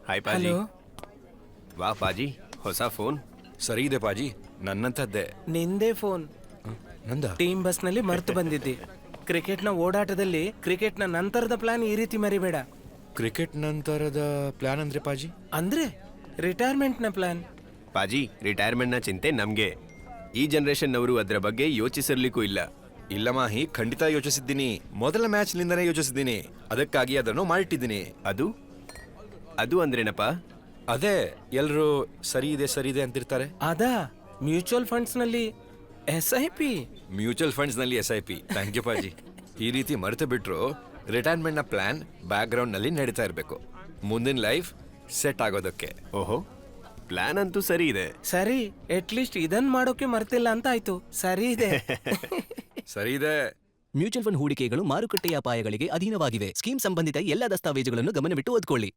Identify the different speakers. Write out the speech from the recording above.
Speaker 1: Hi ಪಾಜಿ.
Speaker 2: Hello.
Speaker 1: ವಾ ಪಾಜಿ, ಹೊಸ phone.
Speaker 3: ಸರಿ ಇದೆ ಪಾಜಿ, ನನ್ನಂಥದ್ದೇ.
Speaker 2: ನಿಂದೇ ಫೋನ್.
Speaker 3: ನಂದ
Speaker 2: ಟೀಮ್ ಬಸ್ನಲ್ಲಿ ಮರ್ತು ಬಂದಿದ್ದಿ. ಕ್ರಿಕೆಟ್ನ ಓಡಾಟದಲ್ಲಿ ಕ್ರಿಕೆಟ್ನ ನಂತರದ ಪ್ಲಾನ್ ಈ ರೀತಿ ಮರಿಬೇಡ.
Speaker 3: ಕ್ರಿಕೆಟ್ ನಂತರದ ಪ್ಲಾನ್ ಅಂದ್ರೆ ಪಾಜಿ?
Speaker 2: ಅಂದ್ರೆ ರಿಟೈರ್ಮೆಂಟ್ನ ಪ್ಲಾನ್.
Speaker 1: ಪಾಜಿ, ರಿಟೈರ್ಮೆಂಟ್ನ ಚಿಂತೆ ನಮಗೆ. ಈ ಜನರೇಷನ್ನವರು ಅದರ ಬಗ್ಗೆ ಯೋಚಿಸಿರ್ಲಿಕ್ಕೂ ಇಲ್ಲ.
Speaker 3: ಇಲ್ಲ ಮಾಹಿ, ಖಂಡಿತ ಯೋಚಿಸಿದ್ದೀನಿ. ಮೊದಲ ಮ್ಯಾಚ್ನಿಂದನೇ ಯೋಚಿಸಿದ್ದೀನಿ. ಅದಕ್ಕಾಗಿ ಅದನ್ನು ಮಾಡಿಟ್ಟಿದ್ದೀನಿ.
Speaker 1: ಅದು ಅದು ಅಂದ್ರೇನಪ್ಪ?
Speaker 3: ಅದೇ ಎಲ್ರು ಸರಿ ಇದೆ ಅಂತಿರ್ತಾರೆ.
Speaker 2: ಅದಾ ಮ್ಯೂಚುವಲ್ ಫಂಡ್ಸ್ನಲ್ಲಿ SIP.
Speaker 3: ಮ್ಯೂಚುವಲ್ ಫಂಡ್ಸ್ ನಲ್ಲಿ SIP. ಥ್ಯಾಂಕ್ ಯು ಪಾಜಿ. ಈ ರೀತಿ ಮರೆತು ಬಿಟ್ರು ರಿಟೈರ್ಮೆಂಟ್ ನ ಪ್ಲಾನ್ ಬ್ಯಾಕ್ ಗ್ರೌಂಡ್ ನಲ್ಲಿ ನಡೀತಾ ಇರಬೇಕು, ಮುಂದಿನ ಲೈಫ್ ಸೆಟ್ ಆಗೋದಕ್ಕೆ.
Speaker 1: ಓಹೋ, ಪ್ಲಾನ್ ಅಂತೂ ಸರಿ ಇದೆ.
Speaker 2: ಸರಿ, ಅಟ್ಲೀಸ್ಟ್ ಇದನ್ ಮಾಡೋಕೆ ಮರ್ತಿಲ್ಲ ಅಂತ ಆಯ್ತು. ಸರಿ ಇದೆ.
Speaker 3: ಸರಿ ಇದೆ.
Speaker 4: ಮ್ಯೂಚುವಲ್ ಫಂಡ್ ಹೂಡಿಕೆಗಳು ಮಾರುಕಟ್ಟೆಯ ಅಪಾಯಗಳಿಗೆ ಅಧೀನವಾಗಿವೆ. ಸ್ಕೀಮ್ ಸಂಬಂಧಿತ ಎಲ್ಲ ದಸ್ತಾವೇಜುಗಳನ್ನು ಗಮನವಿಟ್ಟು ಓದ್ಕೊಳ್ಳಿ.